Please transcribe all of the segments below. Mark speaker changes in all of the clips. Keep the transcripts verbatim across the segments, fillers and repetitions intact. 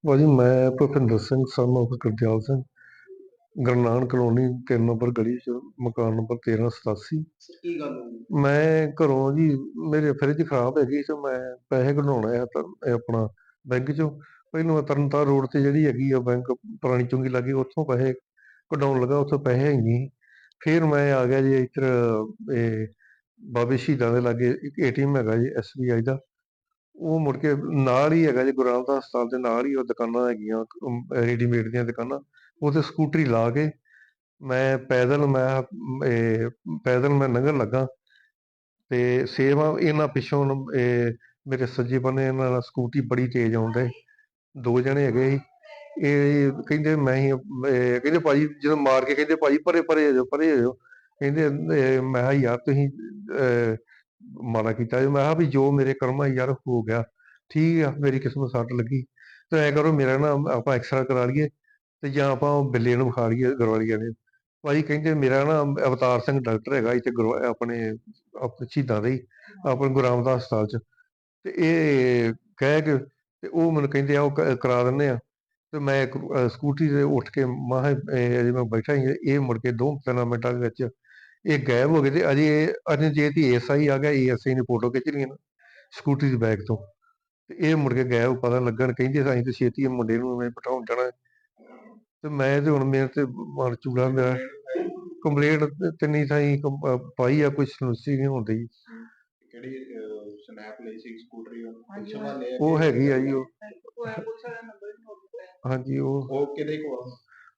Speaker 1: ਭਾਜੀ ਮੈਂ Bhupinder Singh son of Gurdial Singh, Guru Nanak colony ਤਿੰਨ ਨੰਬਰ ਗਲੀ 'ਚ ਮਕਾਨ ਨੰਬਰ ਤੇਰਾਂ ਸਤਾਸੀ।
Speaker 2: ਕੀ ਗੱਲ ਹੋਈ?
Speaker 1: ਮੈਂ ਘਰੋਂ ਜੀ ਮੇਰੇ ਫਰਿੱਜ ਖਰਾਬ ਹੈਗੀ ਤੇ ਮੈਂ ਪੈਸੇ ਕਢਾਉਣੇ ਆ ਤਾਂ ਇਹ ਆਪਣਾ ਬੈਂਕ ਚੋਂ। ਪਹਿਲੋਂ ਮੈਂ ਤਰਨਤਾਰਨ ਰੋਡ ਤੇ ਜਿਹੜੀ ਹੈਗੀ ਆ ਬੈਂਕ ਪੁਰਾਣੀ ਚੁੰਗੀ ਲਾਗੇ ਉੱਥੋਂ ਪੈਸੇ ਕਢਾਉਣ ਲੱਗਾ, ਉੱਥੋਂ ਪੈਸੇ ਹੈ ਨਹੀਂ। ਫਿਰ ਮੈਂ ਆ ਗਿਆ ਜੀ ਇੱਧਰ ਇਹ ਬਾਬੇ ਸ਼ਹੀਦਾਂ ਦੇ ਲਾਗੇ ਇੱਕ ਏ ਟੀ ਐਮ ਹੈਗਾ ਜੀ ਐਸ ਬੀ ਆਈ ਦਾ। ਉਹ ਮੁੜ ਕੇ ਨਾਲ ਹੀ ਹੈਗਾ ਜੀ ਗੁਰੂ ਰਾਮਦਾਸ ਹਸਪਤਾਲ ਦੇ ਨਾਲ ਹੀ ਉਹ ਦੁਕਾਨਾਂ ਹੈਗੀਆਂ ਅਮ, ਰੈਡੀਮੇਡ ਦੀਆਂ ਦੁਕਾਨਾਂ। ਉੱਥੇ ਸਕੂਟਰੀ ਲਾ ਕੇ ਮੈਂ ਪੈਦਲ ਮੈਂ ਇਹ ਪੈਦਲ ਮੈਂ ਲੰਘਣ ਲੱਗਾ ਤੇ ਸੇਮ ਆ ਇਹਨਾਂ ਪਿੱਛੋਂ ਇਹ ਮੇਰੇ ਸੱਜੇ ਬੰਨੇ ਇਹਨਾਂ ਨਾਲ ਸਕੂਟੀ ਬੜੀ ਤੇਜ਼ ਆਉਣ ਡਏ। ਦੋ ਜਣੇ ਹੈਗੇ ਸੀ। ਇਹ ਕਹਿੰਦੇ ਮੈਂ ਹੀ ਇਹ ਕਹਿੰਦੇ ਭਾਜੀ ਜਦੋਂ ਮਾਰ ਕੇ ਕਹਿੰਦੇ ਭਾਜੀ ਪਰੇ ਪਰੇ ਹੋ ਜਾਓ ਪਰੇ ਹੋ ਜਾਓ। ਕਹਿੰਦੇ ਇਹ ਮੈਂ ਕਿਹਾ ਯਾਰ ਤੁਸੀਂ ਅਹ, ਮਾੜਾ ਕੀਤਾ ਜੀ। ਮੈਂ ਕਿਹਾ ਵੀ ਜੋ ਮੇਰੇ ਕਰਮਾਂ 'ਚ ਯਾਰ ਹੋ ਗਿਆ ਠੀਕ ਆ, ਮੇਰੀ ਕਿਸਮਤ ਸੱਟ ਲੱਗੀ ਤੇ ਐ ਕਰੋ ਮੇਰਾ ਨਾ ਆਪਾਂ ਐਕਸਰਾ ਕਰਾ ਲਈਏ ਤੇ ਜਾਂ ਆਪਾਂ ਉਹ ਬਿੱਲੇ ਨੂੰ ਵਿਖਾ ਲਈਏ ਗਰਵਾਲੀਆ ਨੇ। ਭਾਜੀ ਕਹਿੰਦੇ ਮੇਰਾ ਨਾ ਅਵਤਾਰ ਸਿੰਘ ਡਾਕਟਰ ਹੈਗਾ ਇੱਥੇ ਗੁਰਵਾ ਆਪਣੇ ਆਪਣੇ ਸ਼ਹੀਦਾਂ ਦੇ ਹੀ ਆਪਣੇ ਗੁਰੂ ਰਾਮਦਾਸ ਹਸਪਤਾਲ 'ਚ। ਤੇ ਇਹ ਕਹਿ ਕੇ ਤੇ ਉਹ ਮੈਨੂੰ ਕਹਿੰਦੇ ਆ ਉਹ ਕ- ਕਰਾ ਦਿੰਦੇ ਆ। ਤੇ ਮੈਂ ਇੱਕ, ਅਹ, ਸਕੂਟਰੀ ਤੇ ਉੱਠ ਕੇ ਮਾਹ ਅਜੇ ਮੈਂ ਬੈਠਾ ਹੀ ਇਹ ਮੁੜ ਕੇ ਦੋ ਤਿੰਨ ਮਿੰਟਾਂ ਦੇ ਵਿੱਚ ਇਹ ਗਾਇਬ ਹੋ ਗਏ। ਤੇ ਅਜੇ ਅਜੇ ਜੇ ਤੀ ਐਸ ਆਈ ਆ ਗਿਆ, ਏ ਐਸ ਆਈ ਨੇ ਫੋਟੋ ਖਿੱਚ ਲਈਆਂ ਨਾ ਸਕੂਟਰੀ ਦੇ ਬੈਗ ਤੋਂ। ਤੇ ਇਹ ਮੁੜ ਕੇ ਗਾਇਬ ਪਤਾ ਲੱਗਣ ਕਹਿੰਦੇ ਅਸੀਂ ਤੇ ਛੇਤੀ ਮੁੰਡੇ ਨੂੰ ਮੈਂ ਬਿਠਾਉਣ ਜਾਣਾ। ਤੇ ਮੈਂ ਤੇ ਹੁਣ ਮੇਰੇ ਤੇ ਮਨ ਚੂੜਾ ਮੇਰਾ ਕੰਪਲੇਂਟ ਤਿੰਨੀ ਥਾਈਂ ਕੰਪ- ਅਹ ਪਾਈ ਆ, ਕੋਈ ਸੁਣਵਾਈ ਨਹੀਂ ਹੁੰਦੀ।
Speaker 2: ਕਿਹੜੀ ਸਨੈਪ ਲਈ ਸੀ ਸਕੂਟਰੀ ਉਹ ਪੁਲਿਸ ਵਾਲੇ ਆ
Speaker 1: ਉਹ
Speaker 2: ਕਿ
Speaker 1: ਹੈਗੀ ਆ ਜੀ ਉਹ
Speaker 2: ਪੁਲਿਸ ਵਾਲਾ ਨੰਬਰ ਵੀ ਨੋਟ ਕੀਤਾ?
Speaker 1: ਹਾਂਜੀ ਉਹ
Speaker 2: ਉਹ ਕਿਹਦੇ ਕੋਲ?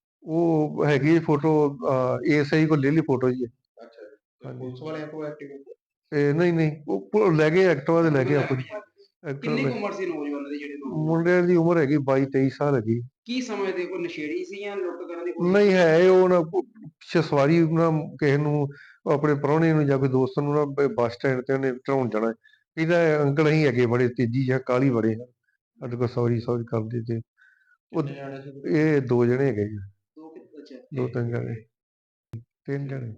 Speaker 1: ਉਹ ਹੈਗੀ ਫੋਟੋ ਏਸ ਆਈ ਕੋਲ ਲੈ ਲਈ ਫੋਟੋ ਜੀ।
Speaker 2: ਅੱਛਾ ਜੀ। ਤੇ
Speaker 1: ਹਾਂਜੀ
Speaker 2: ਪੁਲਿਸ ਵਾਲਿਆਂ ਕੋਲ ਐਕਟਿਵ?
Speaker 1: ਤੇ ਨਹੀਂ ਨਹੀਂ ਉਹ ਪ- ਲੈ ਗਏ ਐਕਟਿਵਾ ਤੇ ਲੈ ਗਏ ਆਪਣੀ ਐਕਟਿਵਾ
Speaker 2: ਕਿੰਨੀ
Speaker 1: ਲੈ।
Speaker 2: ਕੁ ਉਮਰ ਸੀ ਨੌਜਵਾਨਾਂ ਦੀ ਜਿਹੜੇ ਨੌਜਵਾਨ?
Speaker 1: ਮੁੰਡਿਆਂ ਦੀ ਉਮਰ ਹੈਗੀ ਬਾਈ ਤੇਈ ਸਾਲ ਹੈਗੀ।
Speaker 2: ਕੀ ਸਮਝਦੇ, ਕੋਈ ਨਸ਼ੇੜੀ ਸੀ ਜਾਂ ਲੁੱਟ ਕਰਨ ਦੀ ਕੋਸ਼ਿਸ਼?
Speaker 1: ਨਹੀਂ ਹੈ ਇਹ ਉਹ ਨਾ ਪਿੱਛੇ ਸਵਾਰੀ ਨਾ ਕਿਸੇ ਨੂੰ ਆਪਣੇ ਪ੍ਰਾਹੁਣੇ ਨੂੰ ਜਾਂ ਕੋਈ ਦੋਸਤ ਨੂੰ ਨਾ ਬ- ਬੱਸ ਸਟੈਂਡ ਤੇ ਉਹਨੇ ਚੜਾਉਣ ਜਾਣਾ। ਇਹਦਾ ਅੰਕਲ ਅਸੀਂ ਹੈਗੇ ਬੜੇ ਤੇਜ਼ੀ ਜਾਂ ਕਾਹਲੀ ਬੜੇ ਆ ਸਾਡੇ ਕੋਲ ਸੌਰੀ ਸੌਰੀ ਕਰਦੇ ਤੇ ਉਹ
Speaker 2: ਕਿੰਨੇ ਜਾਣੇ ਸੀ?
Speaker 1: ਇਹ ਦੋ ਜਣੇ ਹੈਗੇ ਜੀ।
Speaker 2: ਦੋ ਕਿ- ਅੱਛਾ
Speaker 1: ਦੋ ਤਿੰਨ ਜਣੇ ਤਿੰਨ ਜਣੇ।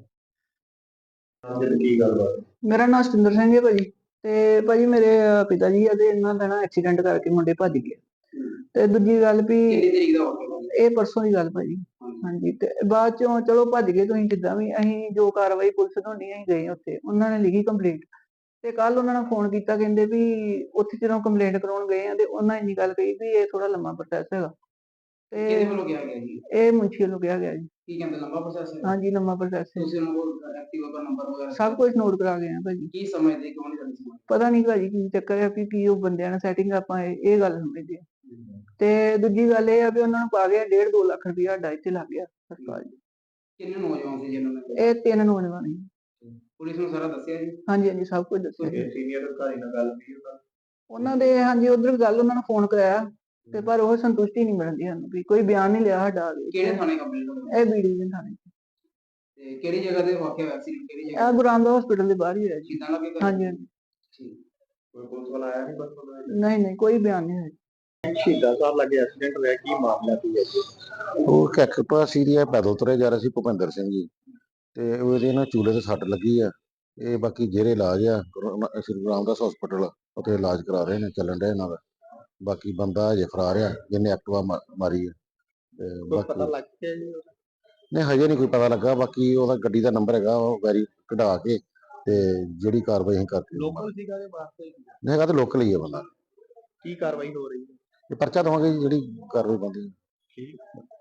Speaker 2: ਤੇ ਕੀ ਗੱਲਬਾਤ?
Speaker 3: ਮੇਰਾ ਨਾਮ ਸਤਿੰਦਰ ਸਿੰਘ ਹੈ ਭਾਜੀ। ਤੇ ਭਾਜੀ ਮੇਰੇ ਅਹ, ਪਿਤਾ ਜੀ ਆ ਤੇ ਇਹਨਾਂ ਦਾ ਨਾ ਐਕਸੀਡੈਂਟ ਕਰਕੇ ਮੁੰਡੇ ਭੱਜ ਗਏ। ਤੇ ਦੂਜੀ ਗੱਲ ਵੀ
Speaker 2: ਕਿੰਨੀ ਤਰੀਕ ਦਾ ਹੋਇਆ?
Speaker 3: ਇਹ ਪਰਸੋਂ ਦੀ ਗੱਲ ਭਾਜੀ। ਹਾਂਜੀ ਤੇ ਬਾਅਦ ਚੋਂ ਚਲੋ ਭੱਜ ਗਏ ਤੁਸੀਂ ਜਿੱਦਾਂ ਵੀ, ਅਸੀਂ ਜੋ ਕਾਰਵਾਈ ਪੁਲਿਸ ਤੋਂ ਨਹੀਂ ਅਸੀਂ ਗਏ ਉੱਥੇ, ਉਹਨਾਂ ਨੇ ਲਿਖੀ ਕੰਪਲੇਂਟ। ਤੇ ਕੱਲ ਉਹਨਾਂ ਨੇ ਫੋਨ ਕੀਤਾ, ਕਹਿੰਦੇ ਵੀ ਉੱਥੇ ਜਦੋਂ ਕੰਪਲੇਂਟ ਕਰਾਉਣ ਗਏ ਆ ਤੇ ਉਹਨਾਂ ਇੰਨੀ ਗੱਲ ਕਹੀ ਵੀ ਇਹ ਥੋੜਾ ਲੰਮਾ ਪ੍ਰੋਸੈਸ ਹੈਗਾ।
Speaker 2: ਕਿਹਦੇ
Speaker 3: ਤੇ
Speaker 2: ਵੱਲੋਂ ਕਿਹਾ ਗਿਆ ਜੀ?
Speaker 3: ਇਹ ਮੁਨਸ਼ੀ ਵੱਲੋਂ ਕਿਹਾ ਗਿਆ ਜੀ।
Speaker 2: ਕੀ ਕਹਿੰਦੇ, ਲੰਬਾ ਪ੍ਰੋਸੈਸ ਹੈ?
Speaker 3: ਹਾਂਜੀ ਲੰਮਾ ਪ੍ਰੋਸੈਸ ਹੈ।
Speaker 2: ਤੁਸੀਂ ਉਹਨਾਂ ਕੋਲ ਐਕਟਿਵਾ ਦਾ ਨੰਬਰ ਵਗੈਰਾ
Speaker 3: ਸਭ ਕੁਝ ਨੋਟ ਕਰਾ ਗਏ ਆ ਭਾਜੀ।
Speaker 2: ਕੀ ਸਮਝਦੇ, ਕਿਉਂ ਨਹੀਂ ਕਰਨੀ ਸਮਝਦੇ?
Speaker 3: ਪਤਾ ਨਹੀਂ ਭਾਜੀ ਕੀ ਚੱਕਰ ਹੈ ਵੀ ਕੀ ਉਹ ਬੰਦਿਆਂ ਨਾਲ ਸੈਟਿੰਗ ਆਪਾਂ ਇਹ ਇਹ ਗੱਲ ਸਮਝਦੇ ਆ। ਤੇ ਦੂਜੀ ਗੱਲ ਇਹ ਆ ਵੀ ਉਹਨਾਂ ਨੂੰ ਪਾ ਗਿਆ ਡੇਢ ਦੋ ਲੱਖ ਰੁਪਇਆ ਸਾਡਾ ਇੱਥੇ ਲੱਗ ਗਿਆ ਹਸਪਤਾਲ 'ਚ।
Speaker 2: ਕਿੰਨੇ ਨੌਜਵਾਨ ਸੀ ਜਿਨ੍ਹਾਂ ਨੇ?
Speaker 3: ਇਹ ਤਿੰਨ ਨੌਜਵਾਨ ਸੀ।
Speaker 2: ਪੁਲਿਸ ਨੂੰ ਸਾਰਾ ਦੱਸਿਆ ਜੀ?
Speaker 3: ਹਾਂਜੀ ਹਾਂਜੀ ਸਭ ਕੁਝ ਦੱਸਿਆ ਜੀ।
Speaker 2: ਸੀਨੀਅਰ ਅਧਿਕਾਰੀ ਨਾਲ ਗੱਲ ਕੀਤੀ ਉਹਨਾਂ ਨੇ?
Speaker 3: ਉਹਨਾਂ ਦੇ ਹਾਂਜੀ ਉਧਰ ਗੱਲ ਉਹਨਾਂ ਨੂੰ ਫੋਨ ਕਰਾਇਆ ਤੇ ਪਰ ਉਹ ਸੰਤੁਸ਼ਟੀ ਨਹੀਂ ਮਿਲਦੀ ਸਾਨੂੰ ਵੀ ਕੋਈ ਬਿਆਨ ਨਹੀਂ ਲਿਆ ਸਾਡਾ।
Speaker 2: ਕਿਹੜੇ ਥਾਣੇ ਕੰਪਲੇਂਟ ਹੋਈ?
Speaker 3: ਇਹ ਬੀਡੀ ਦੇ ਥਾਣੇ
Speaker 2: ਤੇ ਕਿਹੜੀ ਜਗ੍ਹਾ ਤੇ ਵਾਕਿਆ ਹੋਇਆ ਸੀ? ਕਿਹੜੀ ਜਗ੍ਹਾ?
Speaker 3: ਇਹ ਗੁਰੂ ਰਾਮਦਾਸ ਹਸਪੀਟਲ ਦੇ ਬਾਹਰ ਹੀ ਹੋਇਆ ਜੀ।
Speaker 2: ਸ਼ਹੀਦਾਂ ਲੱਗੇ?
Speaker 3: ਹਾਂਜੀ ਹਾਂਜੀ।
Speaker 2: ਠੀਕ। ਕੋਈ ਪੁਲਿਸ ਵਾਲਾ ਆਇਆ ਨਹੀਂ ਬਸ?
Speaker 3: ਨਹੀਂ ਨਹੀਂ ਕੋਈ ਬਿਆਨ ਨਹੀਂ ਹੋਇਆ।
Speaker 2: ਸ਼ਹੀਦਾਂ ਸਾਹਿਬ ਲੱਗੇ ਐਕਸੀਡੈਂਟ ਹੋਇਆ, ਕੀ ਮਾਮਲਾ ਕੀ ਹੈ ਜੀ?
Speaker 4: ਉਹ ਕੈਕਟਾ ਸੀਰੀਆ ਪੈਦਲ ਤੁਰੇ ਜਾ ਰਹੇ ਸੀ ਭੁਪਿੰਦਰ ਸਿੰਘ ਜੀ ਤੇ ਉਹਦੇ ਨਾ ਚੂਲੇ ਤੇ ਸੱਟ ਲੱਗੀ ਆ। ਇਹ ਬਾਕੀ ਜਿਹੜੇ ਇਲਾਜ ਆ ਗੁਰੂ ਰਾ- ਸ੍ਰੀ ਗੁਰੂ ਰਾਮਦਾਸ ਹਸਪੀਟਲ ਉੱਥੇ ਇਲਾਜ ਕਰਾ ਰਹੇ ਨੇ, ਚੱਲਣ ਡਿਆ ਇਹਨਾਂ ਦਾ। ਬਾਕੀ ਬੰਦਾ ਹਜੇ ਫਰਾਰ ਆ ਜਿਹਨੇ ਐਕਟਿਵਾ ਮਾ- ਮਾਰੀ ਆ ਤੇ
Speaker 2: ਕੋਈ ਪਤਾ
Speaker 4: ਬਾਕੀ
Speaker 2: ਲੱਗ ਗਿਆ ਜੀ ਉਹਦਾ?
Speaker 4: ਨਹੀਂ ਹਜੇ ਨਹੀਂ ਕੋਈ ਪਤਾ ਲੱਗਾ। ਬਾਕੀ ਉਹਦਾ ਗੱਡੀ ਦਾ ਨੰਬਰ ਹੈਗਾ ਉਹ ਵੈਰੀ ਕਢਾ ਕੇ ਤੇ ਜਿਹੜੀ ਕਾਰਵਾਈ ਅਸੀਂ ਕਰਕੇ
Speaker 2: ਲੋਕਲ ਸੀਗਾ ਦੇ ਵਾਸਤੇ?
Speaker 4: ਨਹੀਂ ਹੈਗਾ ਤਾਂ ਲੋਕਲ ਹੀ ਆ ਬੰਦਾ।
Speaker 2: ਕੀ ਕਾਰਵਾਈ ਹੋ ਰਹੀ ਹੈ?
Speaker 4: ਇਹ ਪਰਚਾ ਦਵਾਂਗੇ ਜੀ ਜਿਹੜੀ ਕਾਰਵਾਈ ਬਣਦੀ।
Speaker 2: ਠੀਕ।